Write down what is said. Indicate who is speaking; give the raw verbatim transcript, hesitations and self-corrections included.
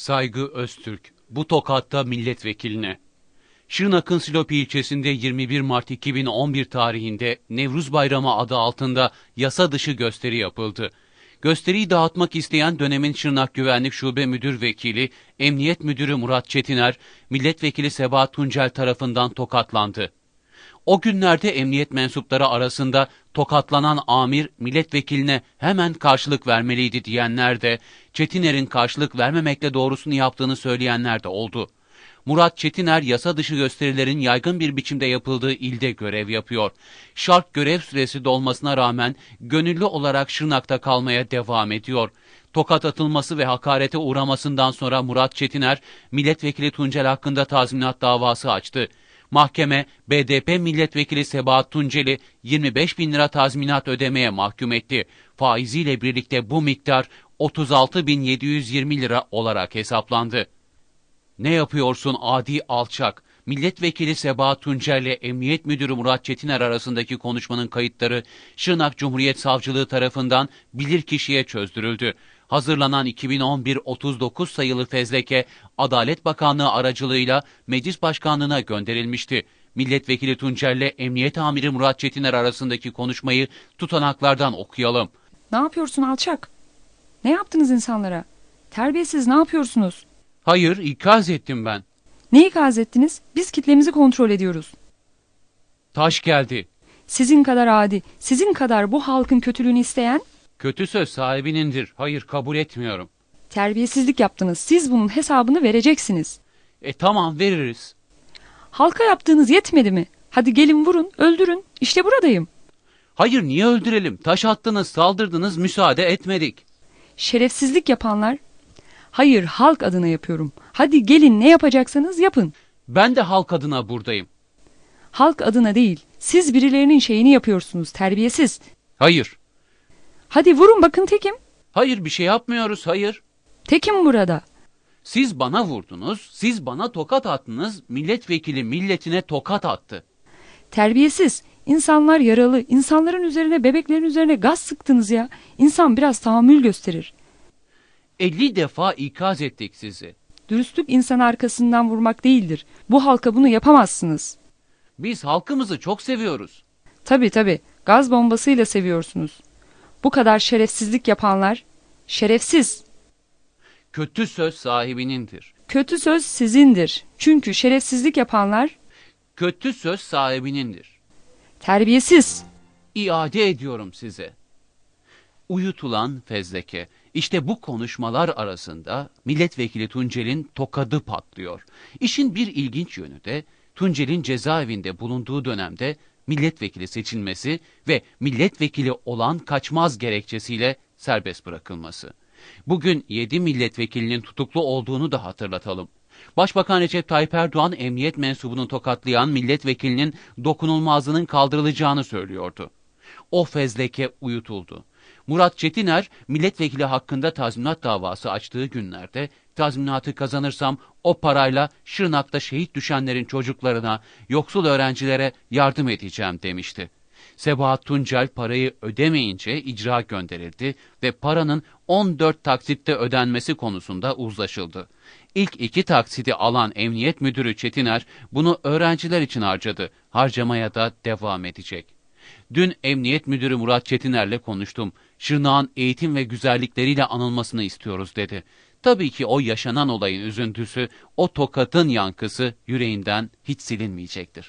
Speaker 1: Saygı Öztürk, bu tokatta milletvekiline. Şırnak'ın Silopi ilçesinde yirmi bir Mart iki bin on bir tarihinde Nevruz Bayramı adı altında yasa dışı gösteri yapıldı. Gösteriyi dağıtmak isteyen dönemin Şırnak Güvenlik Şube Müdür Vekili, Emniyet Müdürü Murat Çetiner, Milletvekili Sebahat Tuncel tarafından tokatlandı. O günlerde emniyet mensupları arasında tokatlanan amir milletvekiline hemen karşılık vermeliydi diyenler de, Çetiner'in karşılık vermemekle doğrusunu yaptığını söyleyenler de oldu. Murat Çetiner, yasa dışı gösterilerin yaygın bir biçimde yapıldığı ilde görev yapıyor. Şart görev süresi dolmasına rağmen gönüllü olarak Şırnak'ta kalmaya devam ediyor. Tokat atılması ve hakarete uğramasından sonra Murat Çetiner, milletvekili Tuncel hakkında tazminat davası açtı. Mahkeme, B D P milletvekili Sebahat Tuncel'i yirmi beş bin lira tazminat ödemeye mahkum etti. Faiziyle birlikte bu miktar otuz altı bin yedi yüz yirmi lira olarak hesaplandı. Ne yapıyorsun adi alçak? Milletvekili Sebahat Tuncel ile Emniyet Müdürü Murat Çetiner arasındaki konuşmanın kayıtları Şırnak Cumhuriyet Savcılığı tarafından bilirkişiye çözdürüldü. Hazırlanan iki bin on bir otuz dokuz sayılı fezleke Adalet Bakanlığı aracılığıyla Meclis Başkanlığı'na gönderilmişti. Milletvekili Tuncel ile Emniyet Amiri Murat Çetiner arasındaki konuşmayı tutanaklardan okuyalım.
Speaker 2: Ne yapıyorsun alçak? Ne yaptınız insanlara? Terbiyesiz, ne yapıyorsunuz?
Speaker 1: Hayır, ikaz ettim ben.
Speaker 2: Ne ikaz ettiniz? Biz kitlemizi kontrol ediyoruz.
Speaker 1: Taş geldi.
Speaker 2: Sizin kadar adi, sizin kadar bu halkın kötülüğünü isteyen...
Speaker 1: Kötü söz sahibinindir. Hayır, kabul etmiyorum.
Speaker 2: Terbiyesizlik yaptınız. Siz bunun hesabını vereceksiniz.
Speaker 1: E tamam, veririz.
Speaker 2: Halka yaptığınız yetmedi mi? Hadi gelin vurun, öldürün. İşte buradayım.
Speaker 1: Hayır, niye öldürelim? Taş attınız, saldırdınız, müsaade etmedik.
Speaker 2: Şerefsizlik yapanlar... Hayır, halk adına yapıyorum. Hadi gelin, ne yapacaksanız yapın.
Speaker 1: Ben de halk adına buradayım.
Speaker 2: Halk adına değil, siz birilerinin şeyini yapıyorsunuz, terbiyesiz.
Speaker 1: Hayır.
Speaker 2: Hadi vurun, bakın tekim.
Speaker 1: Hayır, bir şey yapmıyoruz, hayır.
Speaker 2: Tekim burada.
Speaker 1: Siz bana vurdunuz, siz bana tokat attınız, milletvekili milletine tokat attı.
Speaker 2: Terbiyesiz, insanlar yaralı, insanların üzerine, bebeklerin üzerine gaz sıktınız ya. İnsan biraz tahammül gösterir.
Speaker 1: elli defa ikaz ettik sizi.
Speaker 2: Dürüstlük insan arkasından vurmak değildir. Bu halka bunu yapamazsınız.
Speaker 1: Biz halkımızı çok seviyoruz.
Speaker 2: Tabii tabii, gaz bombasıyla seviyorsunuz. Bu kadar şerefsizlik yapanlar, şerefsiz.
Speaker 1: Kötü söz sahibinindir.
Speaker 2: Kötü söz sizindir. Çünkü şerefsizlik yapanlar...
Speaker 1: Kötü söz sahibinindir.
Speaker 2: Terbiyesiz.
Speaker 1: İade ediyorum size. Uyutulan fezleke. İşte bu konuşmalar arasında milletvekili Tuncel'in tokadı patlıyor. İşin bir ilginç yönü de Tuncel'in cezaevinde bulunduğu dönemde milletvekili seçilmesi ve milletvekili olan kaçmaz gerekçesiyle serbest bırakılması. Bugün yedi milletvekilinin tutuklu olduğunu da hatırlatalım. Başbakan Recep Tayyip Erdoğan emniyet mensubunu tokatlayan milletvekilinin dokunulmazlığının kaldırılacağını söylüyordu. O fezleke uyutuldu. Murat Çetiner, milletvekili hakkında tazminat davası açtığı günlerde tazminatı kazanırsam o parayla Şırnak'ta şehit düşenlerin çocuklarına, yoksul öğrencilere yardım edeceğim demişti. Sebahat Tuncel parayı ödemeyince icra gönderildi ve paranın on dört taksitte ödenmesi konusunda uzlaşıldı. İlk iki taksidi alan Emniyet Müdürü Çetiner bunu öğrenciler için harcadı, harcamaya da devam edecek. Dün Emniyet Müdürü Murat Çetiner'le konuştum. Şırnak'ın eğitim ve güzellikleriyle anılmasını istiyoruz dedi. Tabii ki o yaşanan olayın üzüntüsü, o tokatın yankısı yüreğinden hiç silinmeyecektir.